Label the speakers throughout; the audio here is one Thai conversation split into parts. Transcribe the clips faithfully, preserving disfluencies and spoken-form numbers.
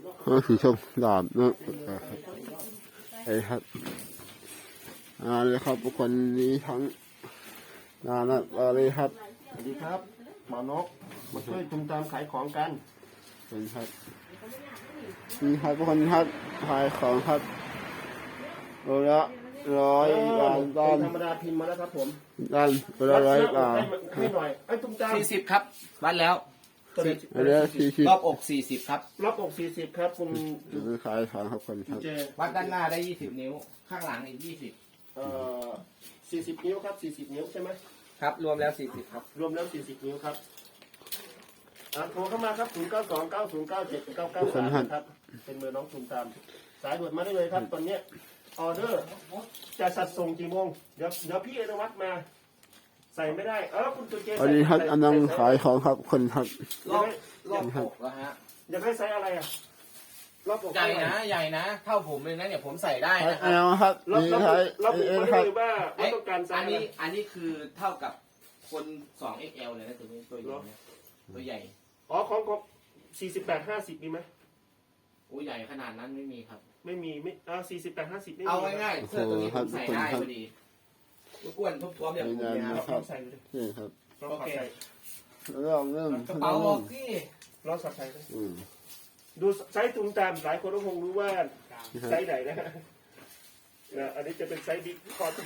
Speaker 1: ก็คือชมดาบเนาะไอ้ครับอ่าเลยครับบุคคลนี้ทั้งนานะอะไรครับ
Speaker 2: สวัสดีครับหมอนกมาช่วยตุ้มตามขายของกัน
Speaker 1: เป็นครับนี่ครับบุคคลครับขายของครับโลละร้อยบาทด้าน
Speaker 2: ธรรมดาพิมพ์มาแล้วครับผม
Speaker 1: ด้านโลละร้อยบาท
Speaker 2: ให้หน่อยไอ้ตุ้มตาม
Speaker 3: สี่สิบครับวัดแล้ว
Speaker 1: อันนี้สี่สิบ
Speaker 3: รอบอกสี่สิบครับ
Speaker 2: รอบอกสี่สิบครับคุณ
Speaker 1: ขายของครับคนครับ
Speaker 3: วัดด้านหน้าได้ยี่สิบนิ้วข้างหลังอีกยี่สิบ
Speaker 2: เอ่อสี่สิบนิ้วครับสี่สิบนิ้วใช่ไหม
Speaker 3: ครับรวมแล้วสี่สิบครับ
Speaker 2: รวมแล้วสี่สิบนิ้วครับอ่าโทรเข้ามาครับศูนย์เก้าสองเก้าศูนย์เก้าเจ็ดเก้าเก้าสามครับเป็นเบอร์น้องตุ้มตามสายด่วนมาได้เลยครับตอนนี้ออเดอร์จะสัดส่งกี่โมงเดี๋ยวเดี๋ยวพี่อนุวัฒน์มาใส่ไม่ได้เออคุณตุเจ
Speaker 1: อันนี้ครับอันนั้นขายของครับคนครับ
Speaker 3: รอบรอบอกแล้วฮะ
Speaker 2: อยากให้ไซส์อะไรอ่ะรอบอก
Speaker 3: ใหญ่นะใหญ่นะเท่าผมเลยนะเนี่ยผมใส่ได้นะครั
Speaker 1: บครับ
Speaker 2: นี่ใช่รอบบอกไม่ได้ว่าว่าต้องการไซส์
Speaker 3: อันนี้อันนี้คือเท่ากับคนสองเอ็กแอลเลยนะตัวนี้ตัวใหญ่ตัวใหญ่
Speaker 2: อ๋อของของสี่สิบแปดห้าสิบมีไหม
Speaker 3: โอ้ใหญ่ขนาดนั้นไม่มีครับ
Speaker 2: ไม่มีไม่อ่าสี่สิบแปดห้าสิบไม่มี
Speaker 3: เอาง่ายๆเสื้อตัวนี้ผมใส่ได้พอดีรบกวนทุบท้วมอย่างผม
Speaker 2: นะครับใส่เลย
Speaker 1: นี่ครับ
Speaker 2: โอเค
Speaker 1: เริ่มเริ่ม
Speaker 3: กระเป๋าออกที่
Speaker 2: รอสับใส่เลยดูไซส์ตุ้มตามหลายคนก็คงรู้ว่าไซส์ไหนนะนะอันนี้จะเป็นไซส์บิ๊กคอร์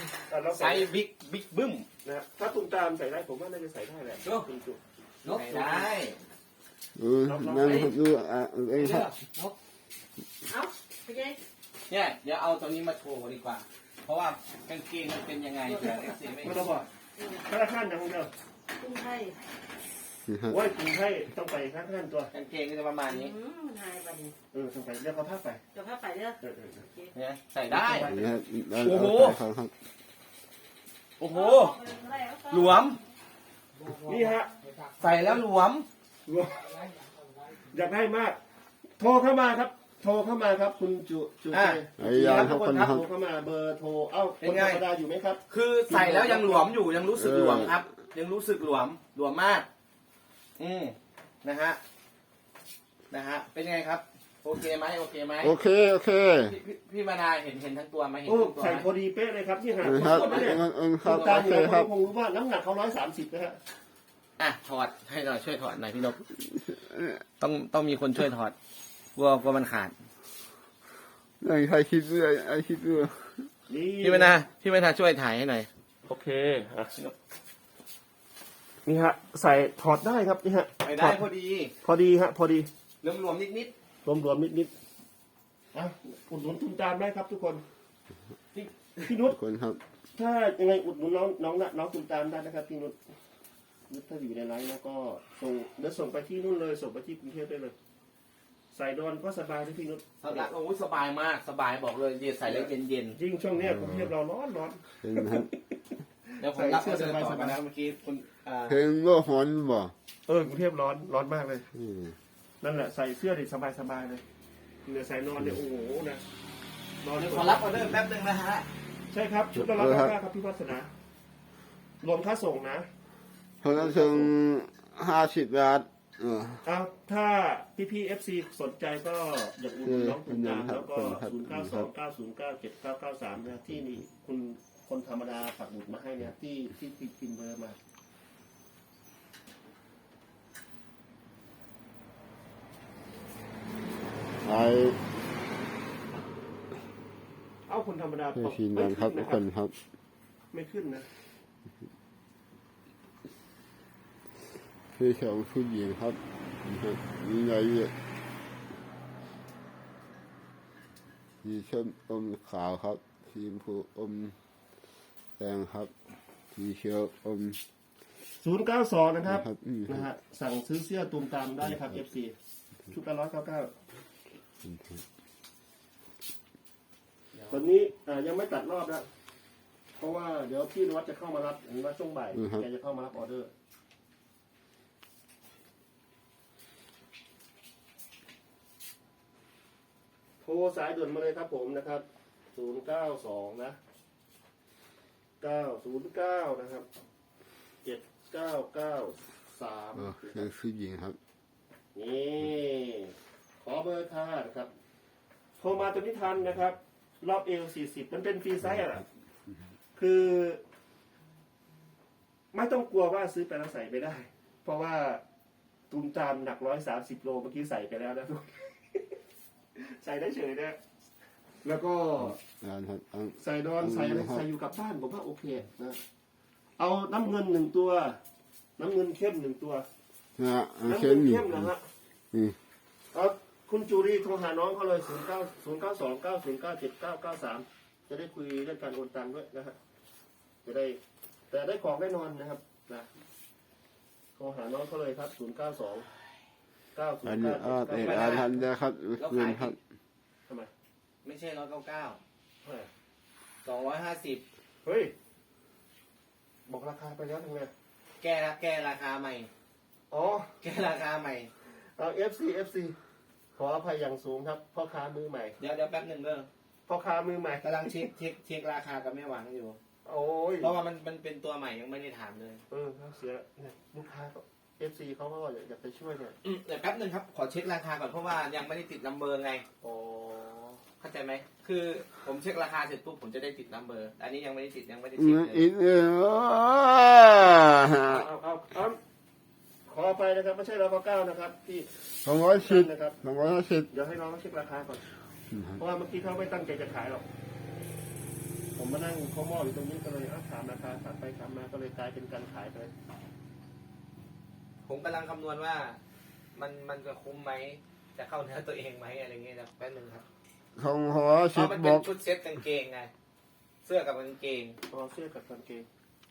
Speaker 3: ไซส์บิ๊กบิ๊กบึ้ม
Speaker 2: นะถ้าตุ้มตามใส่ได้ผมว่าน่าจะใส่ได้แหละ
Speaker 3: คุณจุนกได้
Speaker 1: เออนั่งดูอ่ะเองครับ
Speaker 3: เอาไปไงเนี่ยเดี๋ยวเอาตัวนี้มาโชว์ดีกว่าเพราะว่ากางเกงมันเป็นยังไงเดี๋ยวเอฟซีไม่
Speaker 2: ต้องบอกข้าราชการอย่างเดียว
Speaker 4: กรุงไทย
Speaker 2: โอ้ยกรุงไทยต้องไปข้าราชการตัว
Speaker 3: กางเกงก็จะประมาณนี้
Speaker 2: เออต้องไปเรียกเขาผ้าไป
Speaker 4: เดี๋ยวผ้าไปเด้อ
Speaker 3: เนี่ยใส่ได้
Speaker 1: โอ้โห
Speaker 3: โอ้โหหลวม
Speaker 2: นี่ฮะ
Speaker 3: ใส่แล้วหลวม
Speaker 2: อยากได้มากโทรเข้ามาครับโทรเข้ามาครับคุณจุจุเจ
Speaker 1: ไอ้ยา
Speaker 2: ทุกคนครับโทรเข้ามาเบอร์โทรเอ้าคนธรรมดาอยู่ไหมครับ
Speaker 3: คือใส่แล้วยังหลวมอยู่ยังรู้สึกหลวมครับยังรู้สึกหลวมหลวมมากอืมนะฮะนะฮะเป็นไงครับโอเคไหมโอเคไหม
Speaker 1: โอเคโอเค
Speaker 3: พี่มานาเห็นเห็นทั้งตัวไหมเห็น
Speaker 2: ทั้
Speaker 3: งตัว
Speaker 2: ใส่พอดีเป๊ะเลยครับที่หา
Speaker 1: ครับ
Speaker 2: ครับตาหัวเขาคงรู้ว่าน้ำหนักเขาร้อยสามสิบนะฮะ
Speaker 3: อ่ะถอดให้หน่อยช่วยถอดหน่อยพี่นพต้องต้องมีคนช่วยถอดกลัวกลัวมันขาด
Speaker 1: ไอ้ใครคิดด้วยไอ้คิดด้วย
Speaker 3: พี่มานาพี่มานาช่วยถ่ายให้หน่อย
Speaker 2: โอเคอ่ะนี่ฮะใส่ถอดได้ครับนี่ฮะ
Speaker 3: ใส่ได้พอดี
Speaker 2: พอดีฮะพอดี
Speaker 3: รวมรวมนิดนิด
Speaker 2: รวมรวมนิดนิดอ่ะอุดหนุนทุนจานได้ครับทุกคนพี่นุช
Speaker 1: คนครับ
Speaker 2: ถ้ายังไงอุดหนุนน้องน้องน้องทุนจานได้นะครับพี่นุชถ้าอยู่ในไลน์แล้วก็ส่งเดี๋ยวส่งไปที่นู่นเลยส่งไปที่กรุงเทพได้เลยใส่ดอนก็สบายที่พี่นุช
Speaker 3: สบายโอ้ยสบายมากสบายบอกเลยเย็นใส่แล้วเย็นเย็น
Speaker 2: ยิ่งช่วงนี้กรุงเทพเราร้อนร้อน
Speaker 3: เดี๋ยวผมรับเสื้อสบายสบายนะเมื่อกี้คุณ
Speaker 1: เพลงก็ฮอนบ่
Speaker 2: เออกรุงเทพร้อนร้อนมากเลยนั่นแหละใส่เสื้อดิสบายสบายเลยเหลือใส่นอนเนี่ยโอ้โหนะ
Speaker 3: นอนขอรับออเดอร์แป๊บนึงนะฮะ
Speaker 2: ใช่ครับชุดละร้อยเก้าครับพี่วัฒนารวมค่าส่งนะ
Speaker 1: เพราะนั้นถึงห้าสิบบาทเออ
Speaker 2: เอาถ้าพี่พี่เอฟซีสนใจก็อยากอุดหนุนน้องคุณตามแล้วก็ศูนย์เก้าสองเก้าศูนย์เก้าเจ็ดเก้าเก้าสามนะที่นี่คุณคนธรรมดาปักหมุดมาให้เนี่ยที่ที่พิมพ์เบอร์มา
Speaker 1: ไอ้
Speaker 2: เอาคนธรรมดา
Speaker 1: ไม่ขึ้นครับทุกคนครับ
Speaker 2: ไม่ขึ้นนะ
Speaker 1: พี่ชาวผู้หญิงครับนี่ไงสีชมอมขาวครับสีชมพูอมแดงครับสีเขียวอม
Speaker 2: ศูนย์เก้าสองนะครับนะฮะสั่งซื้อเสื้อตูมตามได้ครับเอฟซีชุดละร้อยเก้าเก้าตอนนี้ยังไม่ตัดรอบนะเพราะว่าเดี๋ยวพี่นวัดจะเข้ามารับเห็นว่าช่วงบ่ายแกจะเข้ามารับออเดอร์โทรสายด่วนมาเลยครับผมนะครับศูนย์เก้าสองนะเก้าศูนย์เก้านะครับเจ็ดเก้าเก้าสาม
Speaker 1: คือผู้หญิงครับ
Speaker 2: นี่ขขอเบอร์ค่ะนะครับโทรมาตัวนี้ทันนะครับ รอบเอลสี่สิบมันเป็นฟรีไซส์อ่ะคือ ไม่ต้องกลัวว่าซื้อไปแล้วใส่ไม่ได้ เพราะว่าตูมตามหนักร้อยสามสิบโลเมื่อกี้ใส่ไปแล้วนะทุก ใส่ได้เฉยนะแล้วก็
Speaker 1: งานครับอัน
Speaker 2: ใส่นอนใส่อะไรใส่อยู่กับบ้านผมว่าโอเคนะเอาน้ำเงินหนึ่งตัว น้ำเงินเข้มหนึ่งตัว
Speaker 1: นะฮะอัน
Speaker 2: น้ำ
Speaker 1: เข้
Speaker 2: เงิ
Speaker 1: ม
Speaker 2: น
Speaker 1: นี่
Speaker 2: เข้มนะฮะ
Speaker 1: อืม
Speaker 2: เอาคุณจูรีโทรหาน้องเขาเลยศูนย์เก้าศูนย์เก้าสองเก้าศูนย์เก้าเจ็ดเก้าเก้าสามจะได้คุยเรื่องการโอนตังค์ด้วยนะฮะจะได้ แต่ได้ของแน่นอนนะครับนะโทรหาน้องเขาเลยครับศูนย์เก้าสองเก้าศูน
Speaker 1: อัน
Speaker 2: ย์
Speaker 1: นี้
Speaker 2: เก้า
Speaker 1: อา
Speaker 2: เจ็ด
Speaker 1: เอ
Speaker 2: เก้า
Speaker 1: อาทันนะครับคืนครับ
Speaker 2: ทำไม
Speaker 3: ไม่ใช่ร้อยเก้าเก้า
Speaker 2: เฮ้ย
Speaker 3: สองร้อยห้าสิบ
Speaker 2: เฮ้ยบอกราคาไปแล้วทำไง
Speaker 3: แก้ละแก้ราคาใหม่
Speaker 2: อ๋อ
Speaker 3: แก้ราคาใหม่
Speaker 2: เอา เอฟ ซี เอฟ ซี ขออภัยอย่างสูงครับพ่อค้ามือใหม่
Speaker 3: เดี๋ยวเดี๋ยวแป๊บหนึ่งเด้อ
Speaker 2: พ่อค้ามือใหม่
Speaker 3: กำลังเช็คเช็คเช็คราคากับแม่หวังอยู่
Speaker 2: โอ้ย
Speaker 3: เพราะว่ามันมันเป็นตัวใหม่ยังไม่ได้ถามเลย
Speaker 2: เออเสียเนี่ยลูกค้าก็ เอฟ ซี เขาก็อยากไปช่วยเนี่ย
Speaker 3: อืมเดี๋ยวแป๊บหนึ่งครับ ขอเช็คราคาก่อนเพราะว่ายังไม่ได้ติดนัมเบอร์ไง
Speaker 2: อ๋อ
Speaker 3: เข้าใจไหม คือผมเช็คราคาเสร็จปุ๊บผมจะได้ติดนัมเบอร์ อันนี้ยังไม่ได้ติดยังไม่ได้
Speaker 1: อื
Speaker 3: เช็ค
Speaker 1: ม
Speaker 3: เลย
Speaker 1: อีกเออ
Speaker 2: เอาเอาเอาขอไปนะครับไม่ใช่เราเก้านะครับที่
Speaker 1: สองร้อยสิบ
Speaker 2: นะครับ
Speaker 1: สองร้อยห้าสิบ
Speaker 2: เดี๋ยวให้น้องเขาเช็คราคาก่อน เพราะว่าเมื่อกี้เขาไม่ตั้งใจจะขายหรอก ผมมานั่งเขาหม้ออยู่ตรงนี้ก็เลยเอาถามราคาถามไปถามมาก็เลยกลายเป็นการขายไป
Speaker 3: ผมกำลังคำนวณว่า มันมันจะคุ้มไหม จะเข้าเนื้อตัวเองไหมอะไรเงี้ยนะแป๊บหนึงครับ
Speaker 1: สองร้อย
Speaker 3: เพ
Speaker 1: สิบ
Speaker 3: ราะมัน
Speaker 1: บ
Speaker 3: เป็
Speaker 1: อน ก
Speaker 3: ชุดเซ็ตกางเกงไง เสื้อกับกางเกง
Speaker 2: พอเสื้อกับกางเกง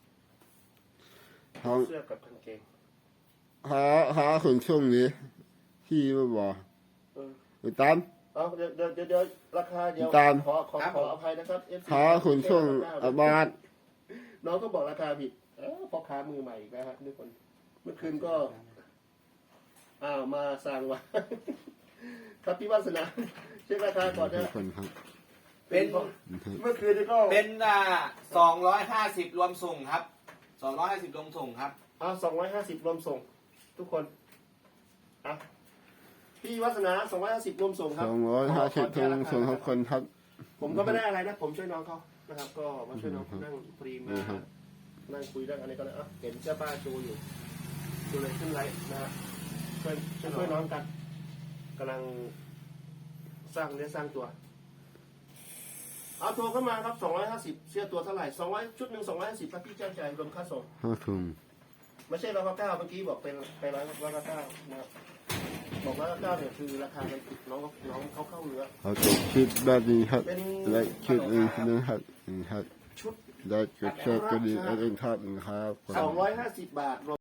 Speaker 1: ของ
Speaker 2: เสื้อกับกางเกง
Speaker 1: หาหาคนช่วงนี้ที่มาบอก
Speaker 2: เออ
Speaker 1: ไปตาม
Speaker 2: เอาเดี๋ยวเดี๋ยวเดี๋ยวเดี๋ยวราคาเดี๋ยว
Speaker 1: ตาม
Speaker 2: ขอขอขออภัยนะครับ เอฟ ซี
Speaker 1: หาคนช่วงอาบาท
Speaker 2: น้องก็บอกราคาผิดเออพ่อค้ามือใหม่อีกแล้วครับทุกคน เมื่อคืนก็ อ้าวมาสั่งว่า ครับพี่วาสนาเช็คราคาก่อน
Speaker 1: ทุ
Speaker 2: นะ
Speaker 1: กคนครับ
Speaker 3: เป็น
Speaker 2: เมื่อคืนนี่ก็
Speaker 3: เป็นอ่าสองร้อยห้าสิบรวมส่งครับสองร้อยห้าสิบรวมส่งครับ
Speaker 2: เอาสองร้อยห้าสิบรวมส่ง ทุกคนอ่ะพี่วัฒนาสองร้อยห้าสิบรวมส่งค
Speaker 1: ส
Speaker 2: รับ
Speaker 1: องร้อยห้าสิบ
Speaker 2: ขอ
Speaker 1: ทุ
Speaker 2: แก้
Speaker 1: ง
Speaker 2: ราคา
Speaker 1: ส่วนทุกคนครับ
Speaker 2: ผมก็ไม่ได้อะไรนะ ผมช่วยน้องเขานะครับ ก็มาช่วยน้องเขานั่งฟรีมา
Speaker 1: ครับ
Speaker 2: นั่งคุยเรื่องอะไรก็เลยอ่ะเห็นเสื้อป้าจูอยู่ดูเลยขึ้นไลฟ์นะฮะช่วยช่วยช่วยน้องกันกำลังสร้างเนื้อสร้างตัว เอาโทรเข้ามาครับสองร้อยห้าสิบเสื้อตัวเท่าไหร่สองร้อยชุดหนึ่งสองร้อยห้าสิบครับพี่แจ้งจ่ายรวมค่าส่ง
Speaker 1: ห้าถุง
Speaker 2: ไม่ใช่ร้อยเก้าเมื่อกี้บอกเป็นไปร้อยร้อยเก้านะครับบอกร้อยเก้าเนี่ยคือราคามันผิดน้องน้องเขาเข้าเนื้อ
Speaker 1: เอาตัวคิดแบบนี้ครับ
Speaker 2: เป็น
Speaker 1: และคิดอีกนะครับนี่ครับ
Speaker 2: ชุด
Speaker 1: ได้จุดเชือกก็ดีแล้วเองครับนะครับ
Speaker 2: สองร้อยห้าสิบบาท